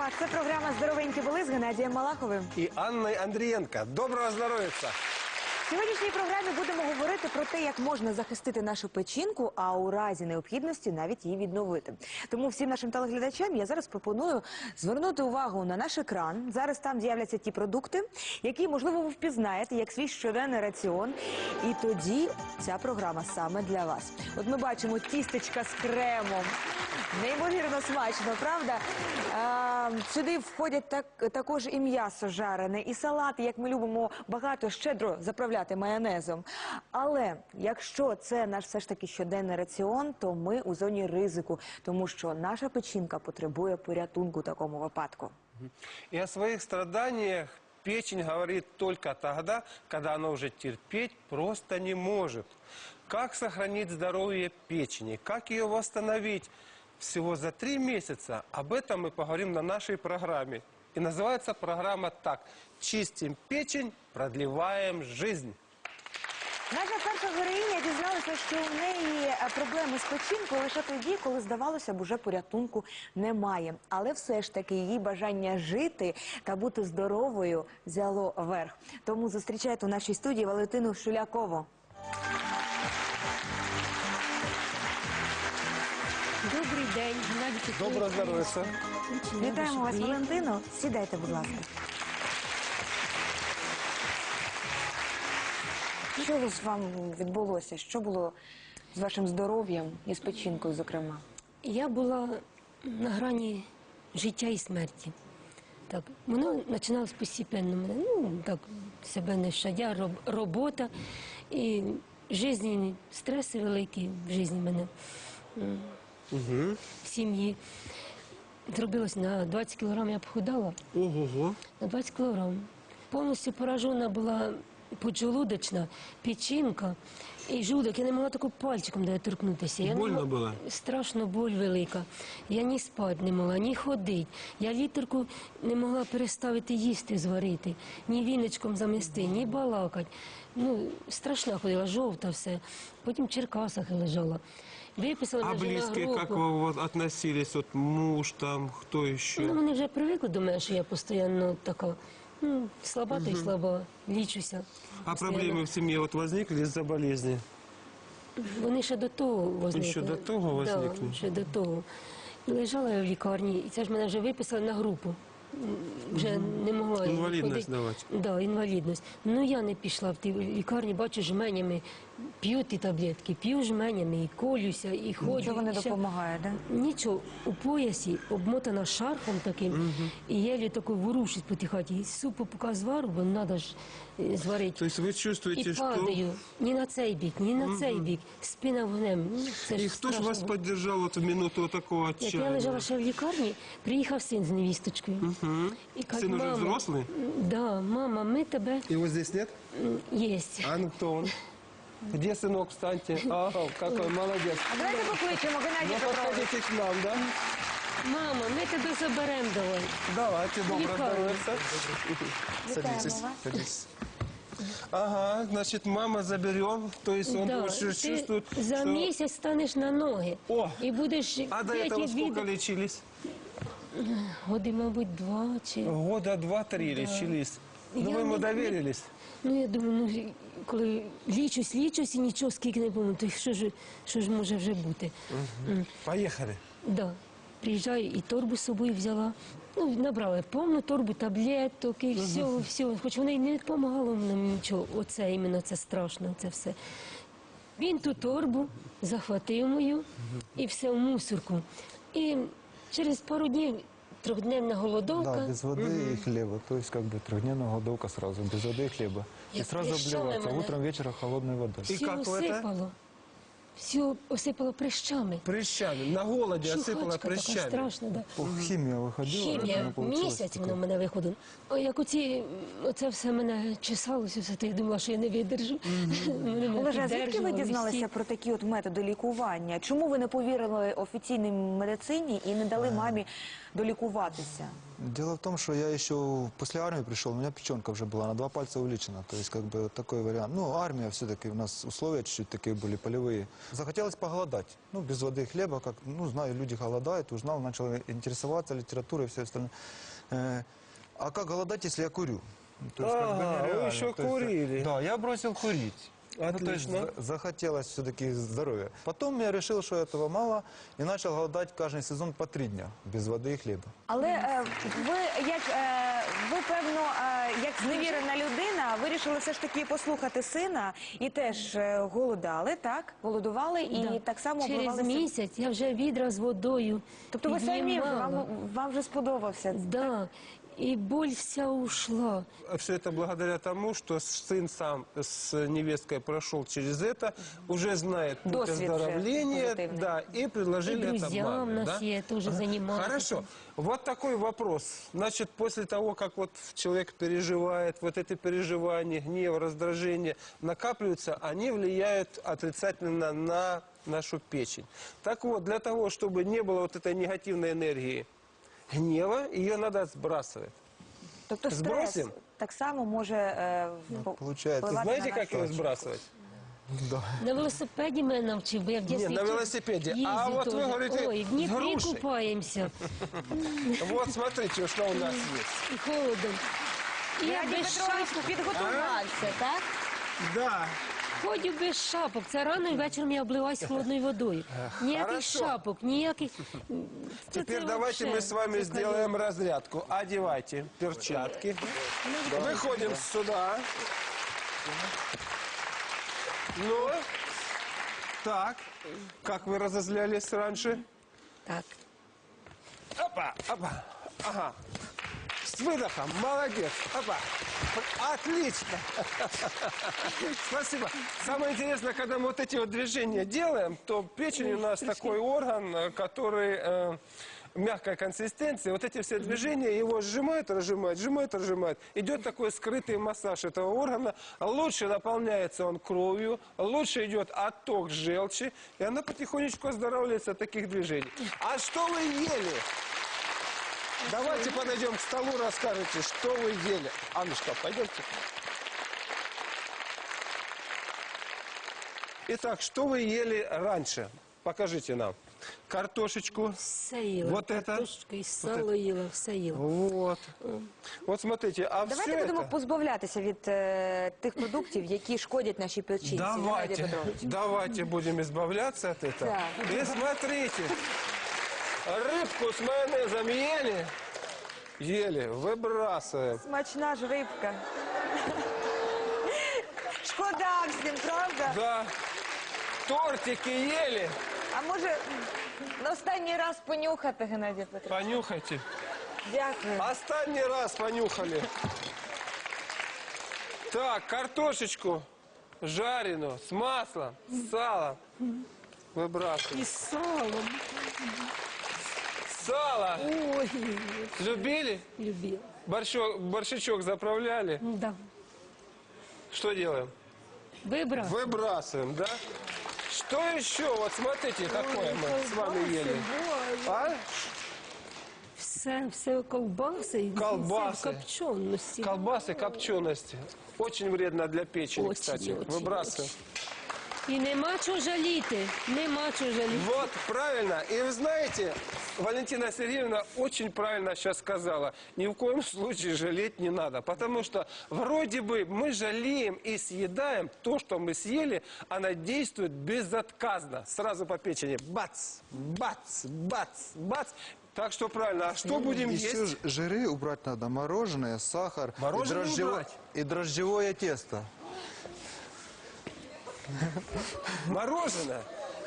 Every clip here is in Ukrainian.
Так, це програма «Здоровенькі були» з Геннадієм Малаховим. І Анною Андрієнко. Доброго здоров'я! В сьогоднішній програмі будемо говорити про те, як можна захистити нашу печінку, а у разі необхідності навіть її відновити. Тому всім нашим телеглядачам я зараз пропоную звернути увагу на наш екран. Зараз там з'являться ті продукти, які, можливо, ви впізнаєте як свій щоденний раціон. І тоді ця програма саме для вас. От ми бачимо тістечка з кремом. Неймовірно смачно, правда? Сюди входять також і м'ясо жарене, і салати, як ми любимо багато, щедро заправляти майонезом. Але якщо це наш все ж таки щоденний раціон, то ми у зоні ризику, тому що наша печінка потребує порятунку в такому випадку. И о своих страданиях печень говорит только тогда, когда она уже терпеть просто не может. Как сохранить здоровье печени, как ее восстановить? Всего за 3 месяца об этом мы поговорим на нашей программе. И называется программа так: «Чистим печень, продлеваем жизнь». Наша перша героїня дізналася, що у неї проблеми з печінкою лише тоді, коли, здавалося б, уже порятунку немає. Але все ж таки її бажання жити та бути здоровою взяло верх. Тому зустрічайте у нашій студії Валентину Шулякову. Добрий день, Геннадій Петрович. Доброго здоров'я. Вітаємо вас, Валентино. Сідайте, будь ласка. Що з вами відбулося? Що було з вашим здоров'ям і з печінкою, зокрема? Я була на грані життя і смерті. Так, воно починалось постепенно мене, так, себе не щадя, робота і жизненні стреси великі в житті мене. В сім'ї. Зробилось на 20 кілограм, я похудала. Ого-го. На 20 кілограм. Повністю поражена була поджелудочна, печінка і желудок. Я не могла таку пальчиком торкнутися. Больно було? Страшно боль велика. Я ні спати не могла, ні ходити. Я літерку не могла переставити їсти, зварити, ні віночком замести, ні балакати. Страшна ходила, жовта все. Потім в Черкасах лежала. Виписали А мене на близкие групу. как вы относились? Вот муж там, кто еще? Вони вже привикли до мене, що я постійно така, слаба та й слаба, лічуся. А постійно. проблемы в семье вот возникли из-за болезни? Вони ще до того возникли. Ще до того возникли? Да, ще до того. І лежала я в лікарні, і це ж мене вже виписали на групу. Вже не могла я Інвалідність ходити. давати? Да, інвалідність. Я не пішла в ті лікарні, бачу жменями, п'ю ті таблетки, п'ю жменями, і колюся, і ходжу. Нічого не і ще- допомагає, так? Нічого, у поясі, обмотана шарфом таким, і єлі тако ворушить по тій хаті. І супу поки звару, бо треба ж зварити. То есть вы чувствуете, І что... падаю ні на цей бік, ні на цей бік, спина вгнем. Це ж И кто же страшно вас було. поддержал вот в минуту такого Як отчаяния? я лежала ще в лікарні, приїхав син з невісточкою. І каже, Сын уже мама, взрослый? Да, мама, ми тебе Его здесь нет? єсть. А ну кто он? Где сынок, встаньте? Ага, какой молодец. А давайте покличемо Геннадія Ну, Петровича. подходите к нам, да? Мама, ми тебе заберемо давай. Давайте, доброго Лікарня. здоровья. Садитесь, садитесь. Ага, значит, мама заберем, то есть он Да, уже ти чувствует, за что... місяць станеш на ноги. О! І будеш А до п'ять этого сколько відео. лечились? Годи, мабуть, 2 чи... Года 2-3 лечились. Ну, Я вы ему не- доверились? Я думаю, коли лічусь і нічого скільки не помню, то що ж може вже бути? Поехали. Да. Приїжджаю і торбу з собою взяла. Набрала повну торбу таблеток і всього. Хоч воно й не допомагало нам нічого. Оце іменно, це страшно, це все. Він ту торбу захватив мою і все в мусорку. І через пару днів трьохдневна голодовка. Да, без воды и хлеба. То есть, как бы, трехдневная голодовка сразу, без воды и хлеба. Я И сразу прищами обливаться. мене. Утром, вечером холодной водой. И Все как это? осипало. Все осипало прищами. Прыщами. На голоде осыпала Шухачка така прыщами. страшна, да. Химия выходила. Хімія, она получилась місяць такая. вона в мене виходила. Як оце все мене чесалося, все, то я думала, що я не видержу. Олеже, а звідки ви дізналися про такі от методи лікування? Чому ви не повірили офіційній медицині і не дали мамі долікуватися? Дело в том, что я еще после армии пришел, у меня печенка уже была на 2 пальца увеличена. То есть, как бы, такой вариант. Ну, армия все-таки, у нас условия чуть-чуть такие были, полевые. Захотелось поголодать. Ну, без воды и хлеба, как, ну, знаю, люди голодают, узнал, начал интересоваться литературой и все остальное. А как голодать, если я курю? То есть, как бы, Ага, вы нереально. еще То есть, курили. Да, я бросил курить. Ну, то есть Отлично. захотелось все-таки здоровья. Потом я решил, что этого мало, и начал голодать каждый сезон по 3 дня, без воды и хлеба. Але ви, певно, як зневірена людина, вирішили все ж таки послухати сина і теж голодали, так? Голодували і Да. так само Через обливалися. місяць я вже відра з водою. Тобто ви самі вже, піднімала. вам вже сподобався. Да, і боль вся ушла. Все это благодаря тому, что сын сам с невесткой прошел через это, уже знает путь Досвід вже оздоровления, позитивний. да, и предложили И это друзьям маме, нас да? я тоже занималась. Хорошо. Вот такой вопрос. Значит, после того, как вот человек переживает, вот эти переживания, гнев, раздражение накапливаются, они влияют отрицательно на нашу печень. Так вот, для того, чтобы не было вот этой негативной энергии, гнева, ее надо сбрасывать. Тобто стрес Збросим? так само може Получается. впливати Знаете, на как нашу его сбрасывать? Да. На велосипеді мене навчив, бо я в дитинстві на велосипеді. А їздив от ви теж. говорите, Ой, в з Дніпрі грушею. купаємося, Вот смотрите, что у нас есть. і холодом. І я Геннадій без Петрович шапок, підготувався, так? Да. ходю без шапок. Це рано і вечором я обливаюсь холодною водою. Ніяких Хорошо. шапок, ніяких... Теперь Це давайте вообще, мы с вами це сделаем разрядку. Одевайте перчатки. Выходим сюда. Ну, так. Как вы разозлялись раньше? Так. Опа, опа. Ага. С выдохом. Молодец. Опа. Отлично. Спасибо. Самое интересное, когда мы вот эти вот движения делаем, то печень у нас такой орган, который мягкой консистенции. Вот эти все движения его сжимают, разжимают, сжимают, разжимают. Идет такой скрытый массаж этого органа. Лучше наполняется он кровью, лучше идет отток желчи, и она потихонечку оздоравливается от таких движений. А что вы ели? Давайте подойдем к столу, расскажете, что вы ели. Аннушка, пойдемте. Итак, что вы ели раньше? Покажите нам. Картошечку. Все їла. Вот это? Картошку і сало їла, все їла. Вот. Вот смотрите, а Давайте все будемо это... позбавлятися від тих продуктів, які шкодять нашій печінці. Геннадій Давайте, Петрович. давайте будем избавляться от этого. Так. И смотрите, рыбку с майонезом ели? Ели, выбрасываем. Смачна ж рибка. Шкода всім, правда? Да. Тортики ели? А може на останній раз понюхати, Геннадій Петрович? Понюхайте. Дякую. Останний раз понюхали. Так, картошечку жареную с маслом, с салом. Выбрасываем. І з салом. Сало Ой, любили? любила. Борщичок заправляли. Да. Что делаем? Вибрав. Выбрасываем, да? Что еще? Вот смотрите, какое мы с вами ели. А? Все ковбаси і Колбаси. все в копченості. Колбасы, копчености. Очень вредно для печени, Очень, кстати. очень, Выбрасываем. І нема чого жаліти. Нема чого жаліти. Вот, правильно. И вы знаете, Валентина Сергеевна очень правильно сейчас сказала. Ни в коем случае жалеть не надо. Потому что вроде бы мы жалеем и съедаем то, что мы съели, она действует безотказно. Сразу по печени. Бац, бац, бац, бац. Так что правильно. А что будем Еще есть? жиры убрать надо, мороженое, сахар Мороженое убрать? и дрожжевое тесто. Мороженое?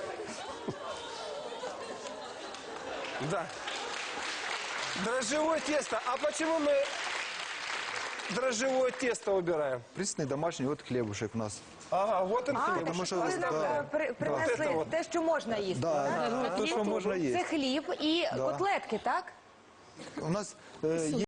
Да. Дрожжевое тесто. А почему мы дрожжевое тесто убираем? Пресный домашний, вот хлебушек у нас. Ага, вот он А, хлеб. так Тому що ви нам да. принесли Вот это вот. те, що можна їсти. Да, так? то, что можно Це есть. хліб і котлетки, так? У нас